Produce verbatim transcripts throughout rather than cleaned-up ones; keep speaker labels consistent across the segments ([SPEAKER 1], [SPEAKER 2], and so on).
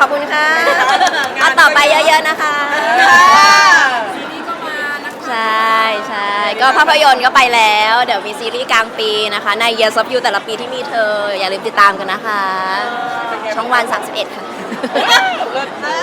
[SPEAKER 1] อบคุณค่ะเอาต่อไปเยอะๆนะคะใช่ใช่ก็ภาพยนตร์ก็ไปแล้ว เดี๋ยวมีซีรีส์กลางปีนะคะใน Years of You แต่ละปีที่มีเธออย่าลืมติดตามกันนะคะ ช่องวันสามสิบเอ็ดค่ะ
[SPEAKER 2] เลิศนะ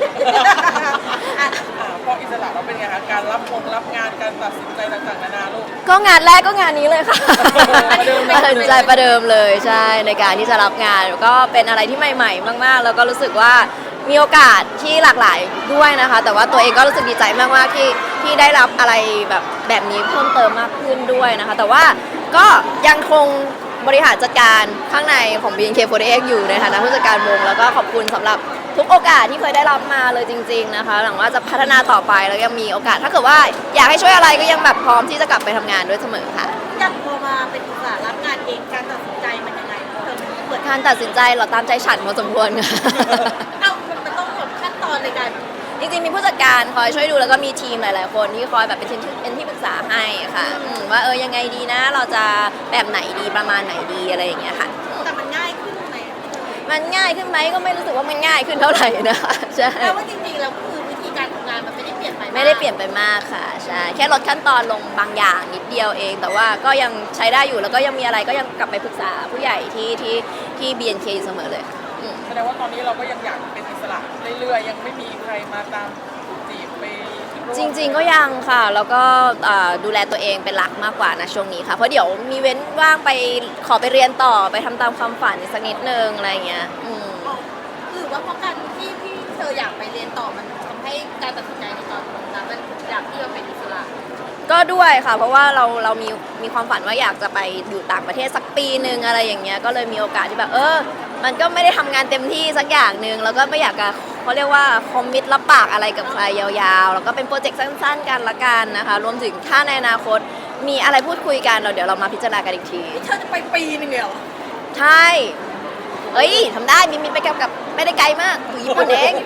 [SPEAKER 2] พออิสระเราเป็นไงคะการรับงงรับงานการตัดสินใจต่างๆนานาลูก
[SPEAKER 1] ก็งานแรกก็งานนี้เลยค่ะตัดสินใจประเดิมเลยใช่ในการที่จะรับงานก็เป็นอะไรที่ใหม่ๆมากๆแล้วก็รู้สึกว่ามีโอกาสที่หลากหลายด้วยนะคะแต่ว่าตัวเองก็รู้สึกดีใจมากๆที่ที่ได้รับอะไรแบบแบบนี้เพิ่มเติมมากขึ้นด้วยนะคะแต่ว่าก็ยังคงบริหารจัดการข้างในของ บี เอ็น เค สี่สิบเอ็ด อยู่ในฐานะผู้จัดการวงแล้วก็ขอบคุณสำหรับทุกโอกาสที่เคยได้รับมาเลยจริงๆนะคะหวังว่าจะพัฒนาต่อไปแล้วยังมีโอกาสถ้าเกิดว่าอยากให้ช่วยอะไรก็ยังแบบพร้อมที่จะกลับไปทำงานด้วยเสมอค่ะ
[SPEAKER 3] ยังพอมาเป็นอิสระรับงานเองการตัดสินใจมันยังไงเธอเปิด
[SPEAKER 1] การตัดสินใจเราตามใจฉันพอสมควรค่ะ
[SPEAKER 3] เอ้ามันต้องแบบขั้นตอนในการ
[SPEAKER 1] จริงๆมีผู้จัดการคอยช่วยดูแล้วก็มีทีมหลายๆคนที่คอยแบบเป็นเป็นที่ปรึกษาให้ค่ะว่าเออยังไงดีนะเราจะแบบไหนดีประมาณไหนดีอะไรอย่างเงี้ยค่ะ
[SPEAKER 3] แต่มันง่ายขึ้นไหม
[SPEAKER 1] มันง่ายขึ้นไหมก็ไม่รู้สึกว่ามันง่ายขึ้นเท่าไหร่นะคะใช่
[SPEAKER 3] แต่ว่าจริงๆแล้วคือวิธีการทำงานมันไม่ได้เปลี่ยนไป
[SPEAKER 1] ไม่ได้เปลี่ยนไปมากค่ะใช่แค่ลดขั้นตอนลงบางอย่างนิดเดียวเองแต่ว่าก็ยังใช้ได้อยู่แล้วก็ยังมีอะไรก็ยังกลับไปปรึกษาผู้ใหญ่ที่ที่ที่ บี เอ็น เค เสมอเลย
[SPEAKER 2] แสดงว่าตอนนี้เราก็ยังอยากเป็นอิสระเรื่อยๆยังไม่มีใครมาตามจีบไป
[SPEAKER 1] จริงๆก็ยังค่ะแล้วก็ดูแลตัวเองเป็นหลักมากกว่านะช่วงนี้ค่ะเพราะเดี๋ยวมีเว้นว่างไปขอไปเรียนต่อไปทำตามความฝันสักนิดนึงอะไรเงี้ย
[SPEAKER 3] หรือว่าเพราะการที่ที่เธออยากไปเรียนต่อมันทำให้การตัดสินใจในตอนนั้นมันอยากที่จะเป็นอิสระ
[SPEAKER 1] ก็ด้วยค่ะเพราะว่าเราเรามีมีความฝันว่าอยากจะไปอยู่ต่างประเทศสักปีนึงอะไรอย่างเงี้ยก็เลยมีโอกาสที่แบบเออมันก็ไม่ได้ทำงานเต็มที่สักอย่างนึงแล้วก็ไม่อยากจะเขาเรียกว่าคอมมิตรับปากอะไรกับใครยาวๆแล้วก็เป็นโปรเจกต์สั้นๆกันละกันนะคะรวมถึงถ้าในอนาคตมีอะไรพูดคุยกันเราเดี๋ยวเรามาพิจารณากันอีกที
[SPEAKER 3] เธอจะไปปีนึงเหรอ
[SPEAKER 1] ใช่เอ้ยทำได้มีมีไปกับกับไม่ได้ไกลมากอยู่ญี่ปุ่นเอง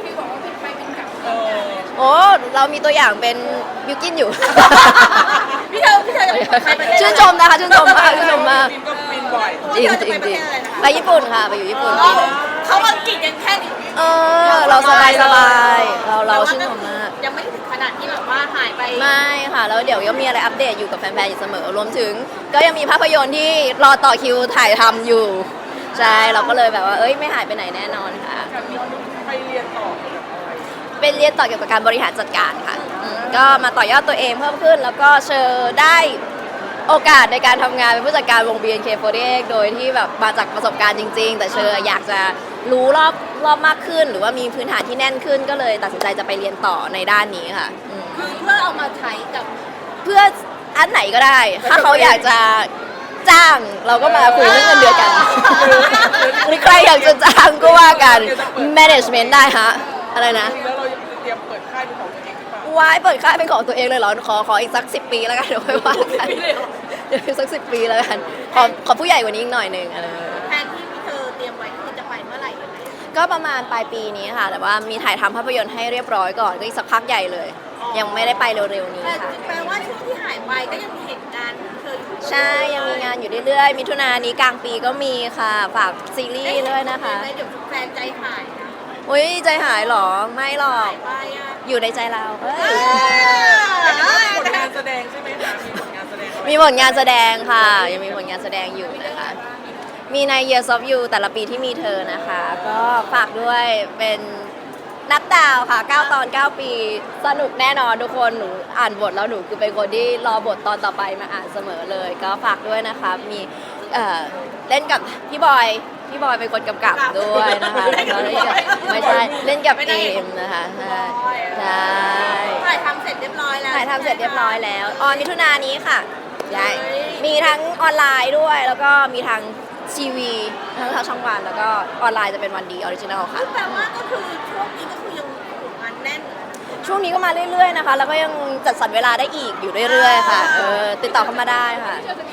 [SPEAKER 1] โอ้เรามีตัวอย่างเป็นบิวกินอยู่
[SPEAKER 3] พี่เธอพี่เธอจะไปประเทศ
[SPEAKER 1] ชื่นชมนะคะชื่นชมมากชื่นชมมาก
[SPEAKER 2] ก็บินบ่อย
[SPEAKER 1] จริงจริงจริงไปญี่ปุ่นค่ะไปอยู่ญี่ปุ่นปีนึง
[SPEAKER 3] เขาอังกฤษยังแค่นี้
[SPEAKER 1] เออเราสบายสบายเราเราชื่นชมมาก
[SPEAKER 3] ยังไม่ถึงขนาดที่แบบว่าหายไป
[SPEAKER 1] ไม่ค่ะแล้วเดี๋ยวยังมีอะไรอัปเดตอยู่กับแฟนๆอยู่เสมอรวมถึงก็ยังมีภาพยนตร์ที่รอต่อคิวถ่ายทำอยู่ใช่เราก็เลยแบบว่าเอ้ยไม่หายไปไหนแน่นอนค่ะ
[SPEAKER 2] ไปเรียนต่อ
[SPEAKER 1] เป็นเรียนต่อเกี่ยวกับการบริหารจัดการค่ะก็มาต่อยอดตัวเองเพิ่มขึ้นแล้วก็เชิญได้โอกาสในการทำงานเป็นผู้จัดการวง บี เอ็น เค สี่สิบเอ็ด โดยที่แบบมาจากประสบการณ์จริงๆแต่เชิญอยากจะรู้รอบรอบมากขึ้นหรือว่ามีพื้นฐานที่แน่นขึ้นก็เลยตัดสินใจจะไปเรียนต่อในด้านนี้ค่ะ
[SPEAKER 3] คือเพื่อเอามาใช้กับ
[SPEAKER 1] เพื่ออันไหนก็ได้ถ้าเขาอยากจะจ้างเราก็มาคุยเรื่องเงินเดือนกันหรือใครอยากจะจ้างก็ว่ากัน management ได้ฮะอะไรนะ
[SPEAKER 2] แล้วเราเตรียมเปิดค่ายเป็นของตัวเองหรือเปล่า
[SPEAKER 1] ว้ายเปิดค่ายเป็นของตัวเองเลยเหรอขอขออีกสักสิบปีแล้วกันเดี๋ยวค่อยว่ากันเดี๋ยวสักสิบปีแล้วกันขอขอผู้ใหญ่กว่านี้อีกหน่อยหนึ่งอะไร
[SPEAKER 3] แทนที่พี่เธอเตรียมไว้คือจะไปเมื่อไหร่ยังไง
[SPEAKER 1] ก็ประมาณปลายปีนี้ค่ะแต่ว่ามีถ่ายทำภาพยนตร์ให้เรียบร้อยก่อนก็อีกสักพักใหญ่เลยยังไม่ได้ไปเร็วๆนี้ค่ะ
[SPEAKER 3] แปลว่าช่วงที่หายไปก็ยังมีเหตุการณ์เธออยู่
[SPEAKER 1] ใช่ยังมีงานอยู่เรื่อยๆมิถุนายนนี้กลางปีก็มีค่ะฝากซีรีส์ด้วยนะคะ
[SPEAKER 3] เดี๋ยวแฟนใจหายนะ
[SPEAKER 1] อุ้ยใจหายหรอไม่หรอกอยู่ในใจเราเฮ้ย
[SPEAKER 2] ผลงานแสดงใช่ไหมคะมีผลงานแสดง
[SPEAKER 1] มีผลงานแสดงค่ะยังมีผลงานแสดงอยู่นะคะมีใน Years of You แต่ละปีที่มีเธอนะคะก็ฝากด้วยเป็นนับดาวค่ะเก้าตอนเก้าปีสนุกแน่นอนทุกคนหนูอ่านบทแล้วหนูคือเป็นคนที่รอบทตอนต่อไปมาอ่านเสมอเลยก็ฝากด้วยนะคะมีเอ่อเล่นกับพี่บอยพี่บอยเป็นคนกำกับด้วยนะคะแล้วเล่นกับไม่ใช่เล่นกับเอมนะคะใช่ใช่
[SPEAKER 3] ถ่ายทำเสร็จเรียบร้อยแล้ว
[SPEAKER 1] ถ่ายทำเสร็จเรียบร้อยแล้วออนมิถุนายนนี้ค่ะใช่มีทั้งออนไลน์ด้วยแล้วก็มีทั้งทีวีทั้งทางช่องวันแล้วก็ออนไลน์จะเป็นวันดีออริจินัลค่ะ
[SPEAKER 3] แปลว่าก็คือช่วงนี้ก็คือยังงานแน่น
[SPEAKER 1] ช่วงนี้ก็มาเรื่อยๆนะคะแล้วก็ยังจัดสรรเวลาได้อีกอยู่เรื่อยๆค่ะเออติดต่อเข้ามาได้ค่ะ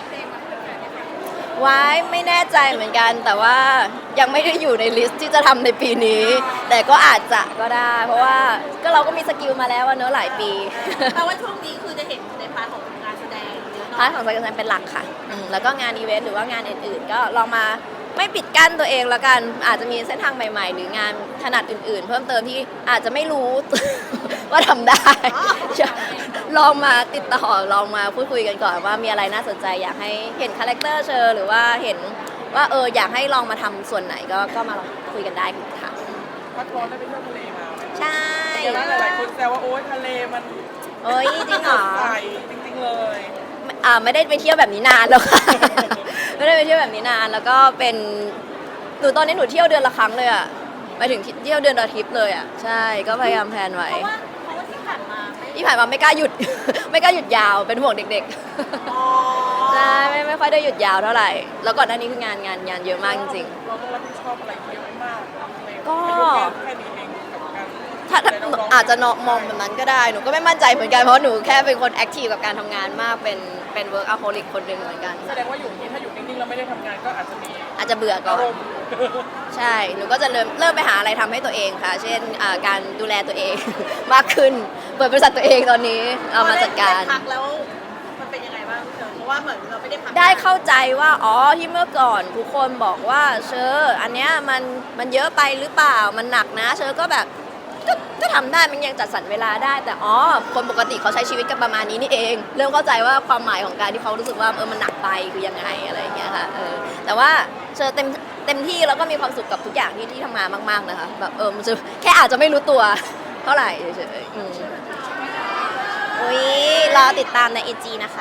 [SPEAKER 1] ว้ายไม่แน่ใจเหมือนกันแต่ว่ายังไม่ได้อยู่ในลิสต์ที่จะทำในปีนี้แต่ก็อาจจะก็ได้เพราะว่าก็เราก็มีสกิลมาแล้วว่าเนอะหลายปี
[SPEAKER 3] แปลว่าช่วงนี้คือจะเห็นในพาร์ทของงานแสดง
[SPEAKER 1] พาร์ทของการแสดงเป็นหลักค่ะแล้วก็งานอีเวนต์หรือว่างานอื่นๆก็ลองมาไม่ปิดกั้นตัวเองแล้วกันอาจจะมีเส้นทางใหม่ ๆ หรืองานถนัดอื่น ๆ เพิ่มเติมที่อาจจะไม่รู้ ว่าทำได้ ลองมาติดต่อลองมาพูดคุยกันก่อนว่ามีอะไรน่าสนใจอยากให้เห็นคาแรคเตอร์เชอร์หรือว่าเห็นว่าเอออยากให้ลองมาทำส่วนไหนก็ก็มาลองคุยกันได้ค่ะ
[SPEAKER 2] พักร้อนได้ไปเที่ยวทะเลมาไหม
[SPEAKER 1] ใช่
[SPEAKER 2] เดี๋ยวหลายๆคนแซวว่าโอ๊ยทะเลมัน
[SPEAKER 1] เอ้ยจริงเหรอ
[SPEAKER 2] ใสจริงๆเลย
[SPEAKER 1] อ่าไม่ได้ไปเที่ยวแบบนี้นานแล้วค่ะ ไม่ได้ไปเที่ยวแบบนี้นานแล้วก็เป็นหนูตอนนี้หนูเที่ยวเดือนละครั้งเลยอ่ะหมายถึงเที่ยวเดือนละทริปเลยอ่ะใช่ก็พยายามแพลนไว้
[SPEAKER 3] เพราะว่าเพราะว่าที่ผ่านมาไม่
[SPEAKER 1] ที่ผ่านมาไม่กล้าหยุด ไม่กล้าหยุดยาวเป็นห่วงเด็ก
[SPEAKER 3] อ๋อ
[SPEAKER 1] ๆใช่ไม่ไม่ค่อยได้หยุดยาวเท่าไหร่แล้วก่อนหน้านี้คืองานงานงานเยอะมากจริง
[SPEAKER 2] เราต้องรับผิดชอบอะไรเยอะมากเลย
[SPEAKER 1] ก็
[SPEAKER 2] แค่นี้เองกับการ
[SPEAKER 1] ๆถ้าถ้า
[SPEAKER 2] ดูแลน้งๆ
[SPEAKER 1] อาจจะเนอะมองแบบนั้นก็ได้หนูก็ไม่มั่นใจเหมือนกันเพราะหนูแค่เป็นคนแอคทีฟกับการทำงานมากเป็นเป็น workaholic คนหนึ่งเหมือนกัน
[SPEAKER 2] แสดงว่าอยู่นี่ถ้าอยู่นิ่งๆแล้วไม่ได้ทำงานก็อาจจะมี
[SPEAKER 1] อาจจะเบื่อก่อ
[SPEAKER 2] อาน รมณ์
[SPEAKER 1] ใช่ หนูก็จะเริ่มเริ่มไปหาอะไรทำให้ตัวเองค่ะ เช่นอ่าการดูแลตัวเอง มากขึ้น เปิดบริษัทตัวเองตอนนี้ เอามาจัดการ
[SPEAKER 3] พอไพักแล้วมันเป็นยังไงบ้างพี่เต๋อเพราะว่าเหมือนเราไม่ได้พัก
[SPEAKER 1] ได้เข้าใจว่า อ๋อ ที่เมื่อก่อนทุกคนบอกว่าเชอร์อันเนี้ยมันมันเยอะไปหรือเปล่า มันหนักนะ เชอร์ก็แบบ ก็ก็ทำได้ มันยังจัดสรรเวลาได้ แต่อ๋อ คนปกติเขาใช้ชีวิตกันประมาณนี้นี่เอง เริ่มเข้าใจว่าความหมายของการที่เขารู้สึกว่าเออ มันหนักไปคือยังไงอะไรอย่างเงี้ยค่ะ เออ แต่ว่าเชอร์เต็มเต็มที่แล้วก็มีความสุขกับทุกอย่างที่ที่ทำงานมากๆนะคะ แบบเออมันจะแค่อาจจะไม่รู้ตัวเท่าไหร่เฉยๆอืมอุ้ยรอติดตามในไอจีนะคะ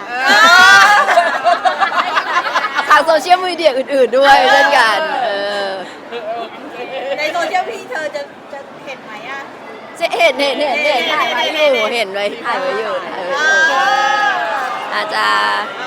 [SPEAKER 1] ทางโซเชียลมีเดียอื่นๆด้วยเช่นกัน เออ
[SPEAKER 3] ในโซเชียลพี่เธอจะจะเห็นไหมอ่ะ
[SPEAKER 1] เจ๊เห็นเห็นเห็นเห็นถ่ายไว้อยู่เห็นไว้ถ่ายไว้อยู่ถ่ายไว้อยู่อาจจะ
[SPEAKER 3] เอ